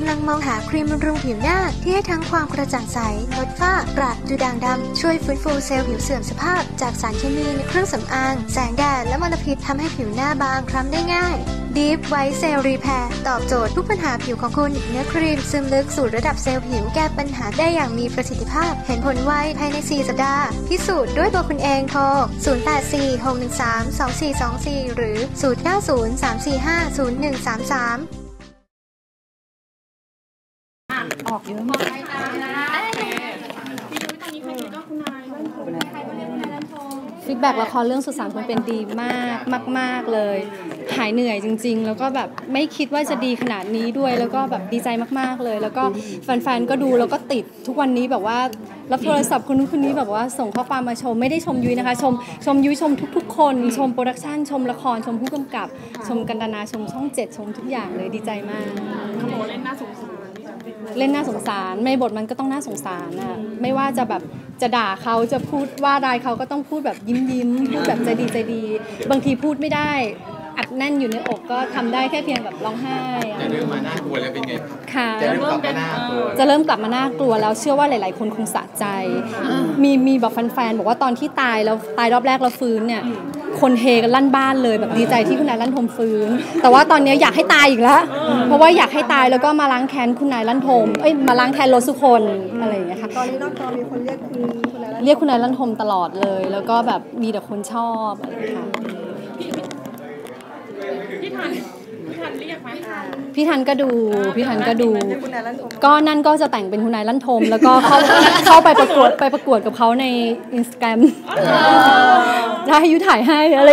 ำลังมองหาครีมบำรุงผิวหน้าที่ให้ทั้งความกระจ่างใสลดฝ้ากระดูด่างดำช่วยฟื้นฟูเซลล์ผิวเสื่อมสภาพจากสารเคมีในเครื่องสำอางแสงแดดและมลพิษทำให้ผิวหน้าบางคล้ำได้ง่าย Deep White Cell Repair ตอบโจทย์ทุกปัญหาผิวของคุณเนื้อครีมซึมลึกสู่ระดับเซลล์ผิวแก้ปัญหาได้อย่างมีประสิทธิภาพเห็นผลไวภายใน4 สัปดาห์พิสูจน์ด้วยตัวคุณเองโทร0846132424หรือ0903450133 ออกเยอะมากฟีดแบ็กละครเรื่องสุสานคนเป็นดีมากมากๆเลยหายเหนื่อยจริงๆแล้วก็แบบไม่คิดว่าจะดีขนาดนี้ด้วยแล้วก็แบบดีใจมากๆเลยแล้วก็แฟนๆก็ดูแล้วก็ติดทุกวันนี้แบบว่ารับโทรศัพท์คนนู้นคนนี้แบบว่าส่งข้อความมาชมไม่ได้ชมยุ้ยนะคะชมยุ้ยชมทุกๆคนชมโปรดักชันชมละครชมผู้กำกับชมกันตนาชมช่อง7ชมทุกอย่างเลยดีใจมากเขาบอกเล่นน่าสงสารในบทมันก็ต้องน่าสงสารนะไม่ว่าจะแบบจะด่าเขาจะพูดว่าร้ายเขาก็ต้องพูดแบบยิ้มพูดแบบใจดีบางทีพูดไม่ได้อัดแน่นอยู่ในอกก็ทำได้แค่เพียงแบบร้องไห้จะเริ่มมาน่ากลัวแล้วเป็นไงค่ะจะเริ่มกลับมาน่ากลัวน่ากลัวแล้วเชื่อว่าหลายๆคนคงสะใจมีแบบแฟนๆบอกว่าตอนที่ตายรอบแรกแล้วฟื้นเนี่ยคนเฮกันลั่นบ้านเลยแบบดีใจที่คุณนายลั่นทมฟื้นแต่ว่าตอนนี้อยากให้ตายอีกแล้วเพราะว่าอยากให้ตายแล้วก็มาล้างแค้นคุณนายลั่นทมมาล้างแค้นโรสุคนอะไรอย่างเงี้ยค่ะตอนนี้นอกจอมีคนเรียกคุณนายลั่นทมตลอดเลยแล้วก็แบบมีแต่คนชอบอะไรค่ะพี่ทันเรียกไหมพี่ทันก็ดูก็นั่นก็จะแต่งเป็นคุณนายลั่นทมแล้วก็เข้าไปประกวดกับเขาใน Instagram ได้ยุ้ยถ่ายให้อะไร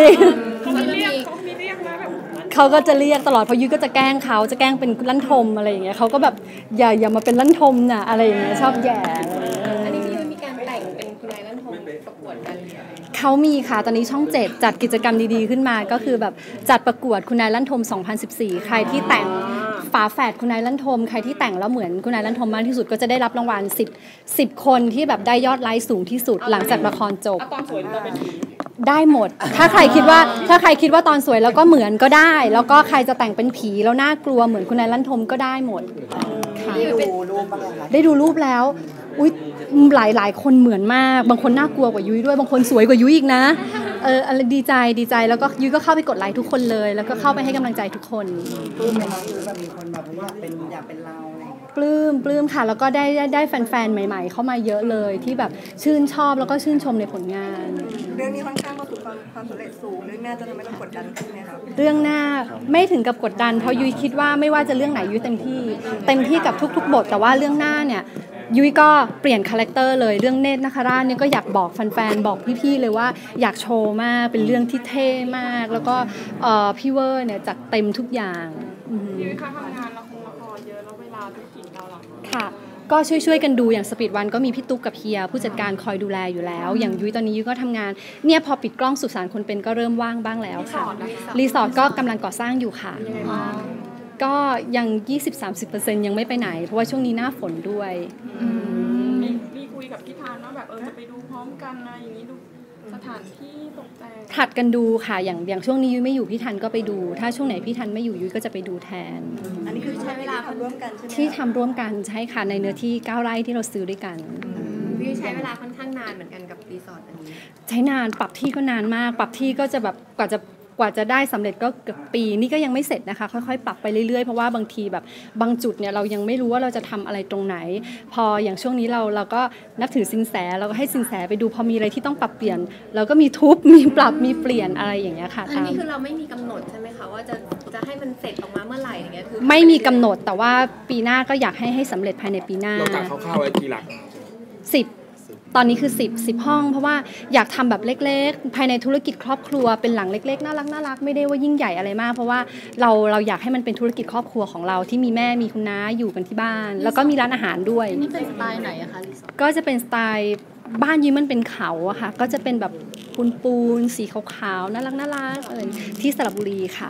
เขาก็จะเรียกตลอดเพราะยุ้ยก็จะแกล้งเขาจะแกล้งเป็นลั่นทมอะไรอย่างเงี้ยเขาก็แบบอย่ามาเป็นลั่นทมน่ะอะไรอย่างเงี้ยชอบแย่อันนี้พี่ยุ้ยมีการแต่งเป็นคุณนายลั่นทมประกวดกันเขามีค่ะตอนนี้ช่อง7จัดกิจกรรมดีๆขึ้นมาก็คือแบบจัดประกวดคุณนายลั่นทม2014ใครที่แต่งฝาแฝดคุณนายลั่นทมใครที่แต่งแล้วเหมือนคุณนายลั่นทมมากที่สุดก็จะได้รับรางวัล10คนที่แบบได้ยอดไลค์สูงที่สุดหลังจากละครจบตอนสวยเราเป็นได้หมดถ้าใครคิดว่าตอนสวยแล้วก็เหมือนก็ได้แล้วก็ใครจะแต่งเป็นผีแล้วน่ากลัวเหมือนคุณนายลั่นทมก็ได้หมดค่ะได้ดูรูปแล้วอุ๊ยหลายคนเหมือนมากบางคนน่ากลัวกว่ายุ้ยด้วยบางคนสวยกว่ายุ้ยอีกนะอะไรดีใจแล้วก็ยุ้ยก็เข้าไปกดไลค์ทุกคนเลยแล้วก็เข้าไปให้กำลังใจทุกคนปลื้มไหมคะคือแบบมีคนแบบอยากเป็นเราปลื้มค่ะแล้วก็ได้แฟนๆใหม่ๆเข้ามาเยอะเลยที่แบบชื่นชอบแล้วก็ชื่นชมในผลงานเรื่องนี้ค่อนข้างประสบความสำเร็จสูงเรื่องหน้าจะทำให้เรากดดันขึ้นไหมคะเรื่องหน้าไม่ถึงกับกดดันเพราะยุ้ยคิดว่าไม่ว่าจะเรื่องไหนยุ้ยเต็มที่กับทุกๆบทแต่ว่าเรื่องหน้าเนี่ยยุ้ยก็เปลี่ยนคาแรคเตอร์เลยเรื่องเนตรนาคราชเนี่ยก็อยากบอกแฟนๆบอกพี่ๆเลยว่าอยากโชว์มากเป็นเรื่องที่เท่มากแล้วก็พี่เวอร์เนี่ยจัดเต็มทุกอย่างยุ้ยค่ะทำงานละครเยอะแล้วเวลาธุรกิจเราหรอค่ะก็ช่วยกันดูอย่างสปีดวันก็มีพี่ตุ๊กกับเฮียผู้จัดการคอยดูแลอยู่แล้วอย่างยุ้ยตอนนี้ยุ้ยก็ทำงานเนี่ยพอปิดกล้องสุสานคนเป็นก็เริ่มว่างบ้างแล้วค่ะรีสอร์ทก็กำลังก่อสร้างอยู่ค่ะก็ยัง 20-30% ยังไม่ไปไหนเพราะว่าช่วงนี้หน้าฝนด้วยมีคุยกับพี่ทานว่าแบบจะไปดูพร้อมกันอะไรอย่างนี้ดูสถานที่ตกแต่งถัดกันดูค่ะอย่างช่วงนี้ยุ้ยไม่อยู่พี่ทันก็ไปดูถ้าช่วงไหนพี่ทันไม่อยู่ยุ้ยก็จะไปดูแทนอันนี้คือใช้เวลาทำร่วมกันใช่ไหมที่ทำร่วมกันใช่ค่ะในเนื้อที่9 ไร่ที่เราซื้อด้วยกันพี่ใช้เวลาค่อนข้างนานเหมือนกันกับรีสอร์ทอันนี้ใช้นานปรับที่ก็นานมากปรับที่ก็จะแบบกว่าจะได้สำเร็จก็เกือบปีนี่ก็ยังไม่เสร็จนะคะค่อยๆปรับไปเรื่อยๆเพราะว่าบางทีแบบบางจุดเนี่ยเรายังไม่รู้ว่าเราจะทำอะไรตรงไหนพออย่างช่วงนี้เราก็นับถือสินแสเราก็ให้สินแสไปดูพอมีอะไรที่ต้องปรับเปลี่ยนเราก็มีทุบมีปรับมีเปลี่ยนอะไรอย่างเงี้ยค่ะอันนี้คือเราไม่มีกำหนดใช่ไหมคะว่าจะให้มันเสร็จออกมาเมื่อไหร่อย่างเงี้ยคือไม่มีกำหนดแต่ว่าปีหน้าก็อยากให้สำเร็จภายในปีหน้าเรากะคร่าวๆไว้กี่หลัก 10ตอนนี้คือ10ห้องเพราะว่าอยากทำแบบเล็กๆภายในธุรกิจครอบครัวเป็นหลังเล็กๆน่ารักไม่ได้ว่ายิ่งใหญ่อะไรมากเพราะว่าเราอยากให้มันเป็นธุรกิจครอบครัวของเราที่มีแม่มีคุณน้าอยู่กันที่บ้านแล้วก็มีร้านอาหารด้วยนี่เป็นสไตล์ไหนอะคะก็จะเป็นสไตล์บ้านยุ้ยมันเป็นเขาอะค่ะก็จะเป็นแบบปูนสีขาวๆน่ารักอะไรที่สระบุรีค่ะ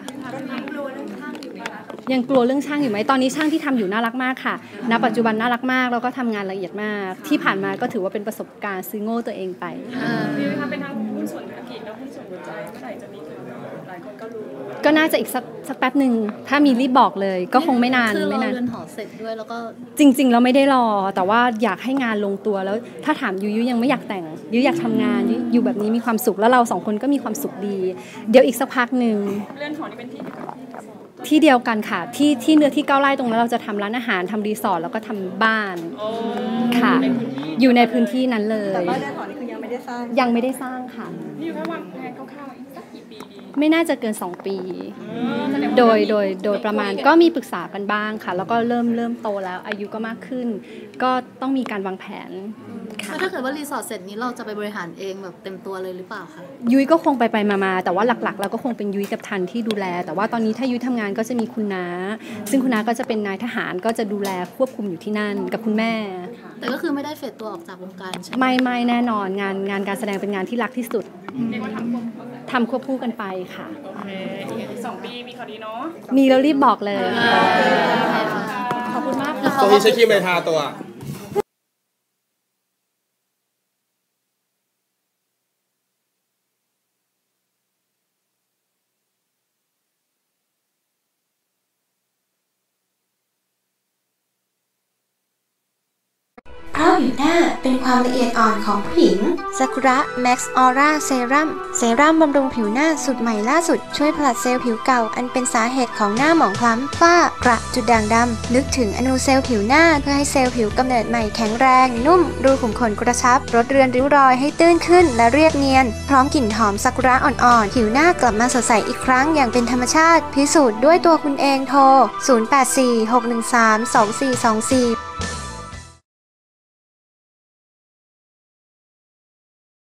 ยังกลัวเรื่องช่างอยู่ไหมตอนนี้ช่างที่ทำอยู่น่ารักมากค่ะณปัจจุบันน่ารักมากแล้วก็ทำงานละเอียดมากที่ผ่านมาก็ถือว่าเป็นประสบการณ์ซื้อโง่ตัวเองไปพี่คะเป็นทั้งหุ้นส่วนธุรกิจและหุ้นส่วนหัวใจเมื่อไหร่จะมีถึงหลายคนก็รู้ก็น่าจะอีกสักแป๊บหนึ่งถ้ามีรีบบอกเลยก็คงไม่นานคือไม่เรานานเรือนหอเสร็จด้วยแล้วก็จริงๆเราไม่ได้รอแต่ว่าอยากให้งานลงตัวแล้วถ้าถามยุยังไม่อยากแต่งยุอยากทำงานยุอยู่แบบนี้มีความสุขแล้วเราสองคนก็มีความสุขดี เดี๋ยวอีกสักพักหนึ่งเรือนหอนี่เป็นที่เดียวกับที่ที่เดียวกันค่ะที่เนื้อที่9 ไร่ตรงนั้นเราจะทำร้านอาหารทำรีสอร์ทแล้วก็ทำบ้านค่ะอยู่ในพื้นที่นั้นเลยแต่ว่าเรือนหอนี่คือยังไม่ได้สร้างยังไม่ได้สร้างค่ะนี่อยู่แค่วางแผนคร่าวๆอีกสักกี่ปีดีไม่น่าจะเกิน2 ปีโดยประมาณก็มีปรึกษากันบ้างค่ะแล้วก็เริ่มโตแล้วอายุก็มากขึ้น ก็ต้องมีการวางแผนค่ะแล้วถ้าเกิดว่ารีสอร์ทเสร็จนี้เราจะไปบริหารเองแบบเต็มตัวเลยหรือเปล่าคะยุ้ยก็คงไปมาแต่ว่าหลักๆเราก็คงเป็นยุ้ยกับทันที่ดูแลแต่ว่าตอนนี้ถ้ายุ้ยทำงานก็จะมีคุณน้าซึ่งคุณน้าก็จะเป็นนายทหารก็จะดูแลควบคุมอยู่ที่นั่นกับคุณแม่แต่ก็คือไม่ได้เฟดตัวออกจากวงการใช่ไหมไม่แน่นอนงานการแสดงเป็นงานที่รักที่สุดเรียกว่าทำควบทำควบคู่กันไปค่ะโอเคอีก2 ปีมีข่าวดีเนาะมีแล้วรีบบอกเลยขอบคุณมากค่ะตรงนี้ใช้ครีมอะไรทาตัวเพราะผิวหน้าเป็นความละเอียดอ่อนของผู้หญิงซากุระแม็กซ์ออร่าเซรั่มบำรุงผิวหน้าสูตรใหม่ล่าสุดช่วยผลัดเซลล์ผิวเก่าอันเป็นสาเหตุของหน้าหมองคล้ำฝ้ากระจุดด่างดำนึกถึงอนูเซลล์ผิวหน้าเพื่อให้เซลล์ผิวกำเนิดใหม่แข็งแรงนุ่มรูขุมขนกระชับลดเรือนริ้วรอยให้ตื้นขึ้นและเรียบเนียนพร้อมกลิ่นหอมซากุระอ่อนๆผิวหน้ากลับมาสดใสอีกครั้งอย่างเป็นธรรมชาติพิสูจน์ด้วยตัวคุณเองโทร 0846132424